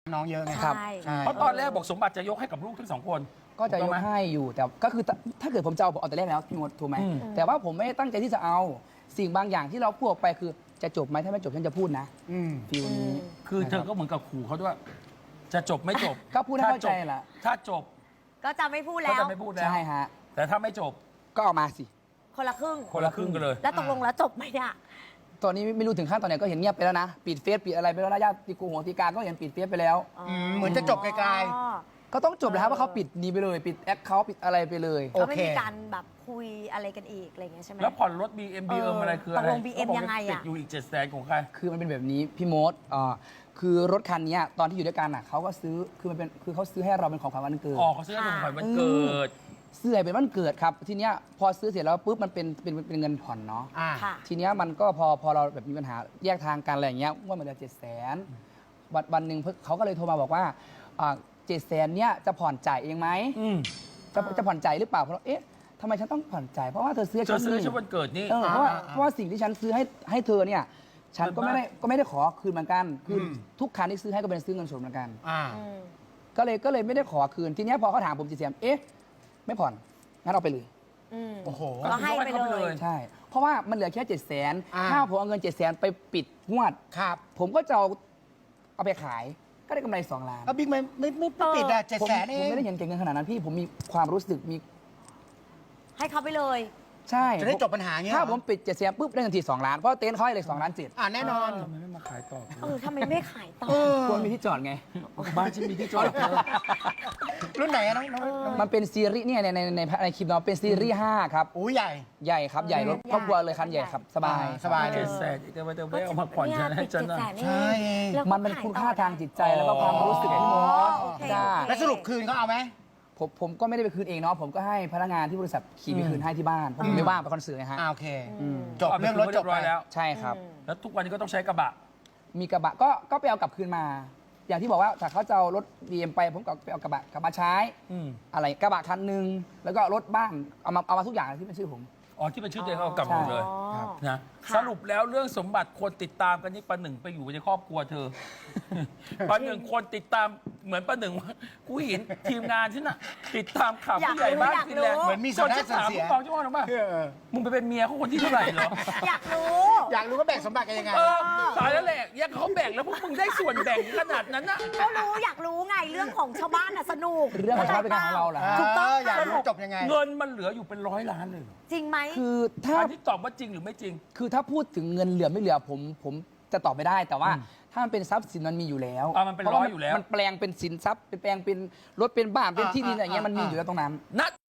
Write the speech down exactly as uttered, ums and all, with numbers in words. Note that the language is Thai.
น้องเยอะไงครับใช่ใช่เพราะตอนแรกบอกสมบัติจะยกให้กับลูกทั้งสองคนก็จะยถูกไหมให้อยู่แต่ก็คือถ้าเกิดผมจะเอาผมเอาแต่แรกแล้วพี่มดถูกไหมอืมแต่ว่าผมไม่ได้ตั้งใจที่จะเอาสิ่งบางอย่างที่เราพูดออกไปคือจะจบไหมถ้าไม่จบฉันจะพูดนะอืมฟิลนี้คือเธอก็เหมือนกับขู่เขาด้วย จะจบไม่จบก็พูดให้เข้าใจถ้จบล่ะถ้าจบก็จะไม่พูดก็แล้วจะไม่พูดแล้วใช่ฮะแต่ถ้าไม่จบก็เอามาสิคนละครึ่งคนละครึ่งกันเลยแล้วตกลงแล้วจบไหมเนี่ยตอนนี้ไม่รู้ถึงขั้นตอนไหนก็เห็นเงียบไปแล้วนะปิดเฟซปิดอะไรไปแล้วนะญาติกูหัวตีการก็เห็นปิดเฟซไปแล้วอ๋อมเหมือนจะจบไกลอ๋อก็ต้องจบแล้วครับว่าเขาปิดนี้ไปเลย ปิดแอคเขาปิดอะไรไปเลยโอก็ไม่เคมีการแบบคุยอะไรกันอีกอะไรอย่างเงี้ยใช่ไหมแล้วผ่อนรถ บี เอ็ม บี เอ็มเอออะไรคืออะไรตกลง บี เอ็มขาบกยังไงอะติดอยู่อีกเจ็ดแสนของใครคือมันเป็นแบบนี้พี่โมดอ่าคือรถคันนี้ตอนที่อยู่ด้วยกันอ่ะเขาก็ซื้อคือมันเป็นคือเขาซื้อให้เราเป็นของขวัญวันเกิดออกเขาซื้อให้ของขวัญวันเกิดเสื้อเป็นวันเกิดครับทีเนี้ยพอซื้อเสร็จแล้วปุ๊บมันเป็นเป็นเป็นเงินผ่อนเนาะอ่าค่ะทีเนี้ยมันก็พอพอเราแบบมีปัญหาแยกทางกันอะไรอย่างเงี้ยว่ามันเหลือเจ็ดแสนวันวันหนึ่งเขาก็เลยโทรมาบอกว่าเจ็ดแสนเนี้ยจะผ่อนจ่ายเองไหมอืมจะจะผ่อนจ่ายหรือเปล่าเพราะเอ๊ะทำไมฉันต้องผ่อนจ่ายเพราะว่าเธอซื้อให้เธฉัอน ซื้อนี่ชุดวันเกิดนี่เออเพราะว่าอ่าอ่าเพราะว่าสิ่งที่ฉันซื้อให้ให้เธอเนี่ยฉันก็มันไม่บ้าได้ก็ไม่ได้ขอคืนเหมือนกันคืออมทุกคันที่ซื้อให้ก็เป็นซื้อเงินสดเหมือนกันอ่าอืมก็เลยก็เลยไม่ได้ขอคืนทีเนี้ยพอเขาถามผมจีเสียมเอ๊ะไม่ผ่อนงั้นเอาไปเลยอืมโอ้โหก็ให้ไปเลยใช่ เพราะว่ามันเหลือแค่เจ็ดแสนอ่าถ้าผมเอาเงินเจ็ดแสนไปปิดงวดครับผมก็จะเอาเอาไปขาย ก็ได้กำไรสองล้านแล้วบิ๊กไม่ไม่ไม่ไม่ปิดอะเจ็ดผมแสนเอผมงไม่ได้เห็นเก่งเงินขนาดนั้นพี่ผมมีความรู้สึกมีให้เขาไปเลยใช่จะได้จบปัญหาเงี้ยถ้าเหรอผมปิดเจ็ดแสนปุ๊บได้ทันทีสองล้านเพราะเต็นท์เขาให้เลยสองล้านเจ็ดอ่าแน่นอนทำไมไม่มาขายต่อเออทำไมไม่ขายต่อเออควรมีที่จอดไงบ้านฉันมีที่จอดเธอรุ่นไหนอะน้องน้องน้องมันเป็นซีรีส์เนี่ยในในในในคลิปเนาะเป็นซีรีส์ห้าครับอู้ใหญ่ใหญ่ครับใหญ่รถใหญ่ครอบครัวเลยคันใหญ่ครับสบายอ่าสบายเจ็ดแสนอีกแต่ว่าจะไม่เอามาผ่อนฉันให้ฉันนะใช่มันเป็นคุณค่าทางจิตใจแล้วก็ความรู้สึกพี่มอ๋อดโอเคใช่โอเคแล้วสรุปคืนเขาเอาไหมผมผมก็ไม่ได้ไปคืนเองเนาะผมก็ให้พนักงานที่บริษัทขี่ไปคืนให้ที่บ้านเพราะผมไม่ว่างไปคอนเสิร์ตไงฮะอ่าโอเคอืมจบเรื่องรถจบเรียบร้อยไปแล้วใช่ครับอืมแล้วทุกวันนี้ก็ต้องใช้กระบะมีกระบะก็ก็ไปเอากลับคืนมา อย่างที่บอกว่าถ้าเขาจะเอารถ บี เอ็ม ไปผมก็ไปเอากระบะกลับมาใช้อืมอะไรกระบะคันหนึ่งแล้วก็รถบ้านเอามาเอามาทุกอย่างที่เป็นชื่อผมอ๋อที่เป็นชื่อตัวเองเอากลับหมดเลยอ๋อนะค่ะสรุปแล้วเรื่องสมบัติคนติดตามกันนี่ประหนึ่งไปอยู่ในครอบครัวเธอ ประหนึ่งคนติดตามเหมือนประหนึ่งว่ากูเห็นทีมงานฉันน่ะติดตามข่าวอยากผู้ใหญ่บ้านรู้อยากฟินแลนด์รู้เหมือนมีส่วนได้ส่วนเสียจนฉันถามผู้กองเจ้าว่าหรือเปล่าเออมึงไปเป็นเมียเขาคนที่เท่าไหร่เหรออยากรู้อยากรู้ว่าแบ่งสมบัติกันยังไงเออตายแล้วแหละยังเขาแบ่งแล้วพวกมึงได้ส่วนแบ่งขนาดนั้นน่ะก็รู้อยากรู้ไงเรื่องของชาวบ้านน่ะสนุกเรื่องของชาวบ้านเป็นงานของเราเหรอฮะถูกต้องเอออยากรู้ค่ะจบยังไงเงินมันเหลืออยู่เป็นร้อยล้านเลยเหรอจริงไหมคือถ้าอันนี้ตอบว่าจริงหรือไม่จริงคือถ้าพูดถึงเงินเหลือไม่เหลือผมผมจะตอบไม่ได้ แต่ว่าถ้ามันเป็นทรัพย์สินมันมีอยู่แล้วอ่ะมันเป็นพาะร้อยว่าอยู่แล้วมันแปลงเป็นสินทรัพย์เป็นแปลงเป็นรถเป็นบ้านเป็นอ่าที่ดินอะไรเงี้ยมันมีอ่าอยู่แล้วตรงนั้นณ